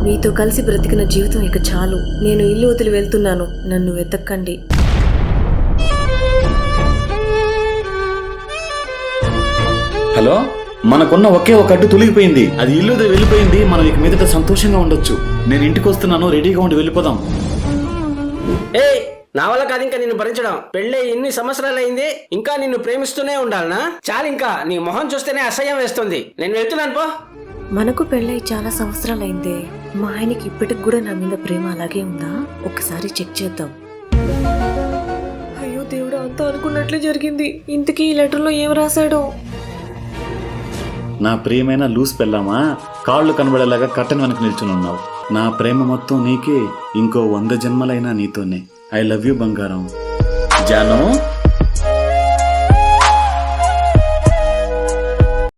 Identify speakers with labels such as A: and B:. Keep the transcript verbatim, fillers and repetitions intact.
A: మీతో కలిసి బ్రతికిన జీవితం ఇక చాలు. నేను ఇల్లు వదిలి వెళ్తున్నాను. నన్ను వెతక్కండి.
B: హలో, మనకున్న ఒకే ఒక అడ్డు తొలగిపోయింది. అది ఇల్లు వదిలి వెళ్ళిపోయింది. మనం ఇక మీదట సంతోషంగా ఉండొచ్చు. నేను ఇంటికి వస్తున్నాను, రెడీగా ఉండి వెళ్ళిపోదాం.
C: ఏ నా వల్ల కాదు ఇంకా నిన్ను భరించడం. పెళ్ళే ఇన్ని సంవత్సరాలు అయింది, ఇంకా నిన్ను ప్రేమిస్తూనే ఉండాలనా? చాలు, ఇంకా నీ మొహం చూస్తేనే అసహ్యం వేస్తుంది. నేను వెళ్తున్నాను పో.
A: మనకు పెళ్ళై చాలా సంవత్సరాలైందే. మా ఆయనకి ఇప్పటికి కూడా నా మీద ప్రేమ అలాగే ఉందా? ఒక్కసారి చెక్ చేద్దాం. అయ్యో దేవుడు, అంతా అనుకున్నట్లే జరిగింది. ఇంతకీ ఈ లెటర్లో ఏం రాశాడో?
B: నా ప్రియమైన లూస్ పెళ్ళామా, కాళ్ళు కనబడేలాగా కట్టన్ వెనక నిల్చుని ఉన్నావు. నా ప్రేమ మొత్తం నీకే, ఇంకో వంద జన్మలైనా నీతోనే. ఐ లవ్ యూ బంగారం. జాను.